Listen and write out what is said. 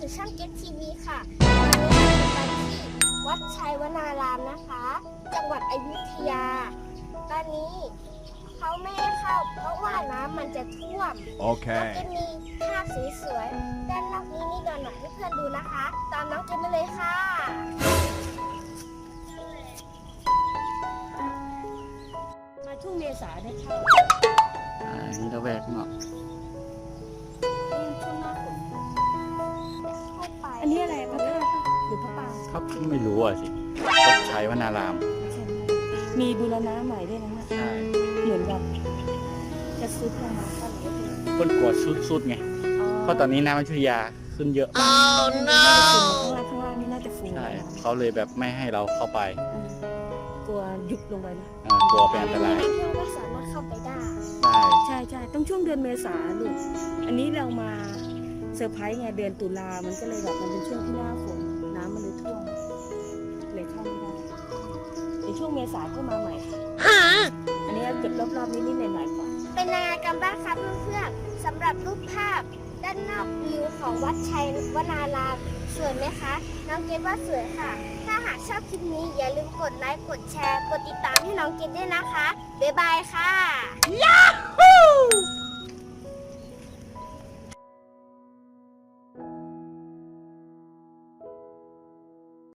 สู่ช่องเก็ตทีวีค่ะวันนี้เราไปที่วัดชัยวนารามนะคะ จังหวัดอยุธยา ตอนนี้เขาไม่ให้เข้าเพราะว่าน้ำมันจะท่วมโอเคน้องเกดมีภาพสวยๆด้านนอกนี้นี่ดอนหน่อยให้เพื่อนดูนะคะ ตามน้องเกดมาเลยค่ะมาช่วงเมษาได้เข้านี่ระแวกเนาะช่วงหน้าฝนเข้าไปอันนี้อะไรพระธาตุปะหรือพระปรางเขาไม่รู้อ่ะสิวัดชัยวนารามใช่ไหมมีบูรณะใหม่ด้วยนะเนี่ยใช่เหมือนแบบจะซุดลงมาก็หรือว่าคนกลัวสุดๆไง เพราะตอนนี้น้ำอยุธยาขึ้นเยอะมากข้างล่างนี่น่าจะฟูใช่นะเขาเลยแบบไม่ให้เราเข้าไปกลัวยุบลงไปนะกลัวเป็นอันตรายนักท่องเที่ยวก็สามารถเข้าไปได้ใช่ใช่ต้องช่วงเดือนเมษาลูกอันนี้เรามาเซอร์ไพรส์ไงเดือนตุลามันก็เลยแบบมันเป็นช่วงที่หน้าฝนน้ำมันเลยท่วมเลยเข้าไม่ได้ในช่วงเมษาก็มาใหม่ค่ะอันนี้เก็บรอบๆนิดๆหน่อยๆก่อนเป็นยังไงกันบ้างคะเพื่อนๆสำหรับรูปภาพด้านนอกวิวของวัดชัยวนารามสวยไหมคะ น้องเกดว่าสวยค่ะ ถ้าหากชอบคลิปนี้อย่าลืมกดไลค์ กดแชร์ กดติดตามให้น้องเกดด้วยนะคะ บ๊ายบายค่ะ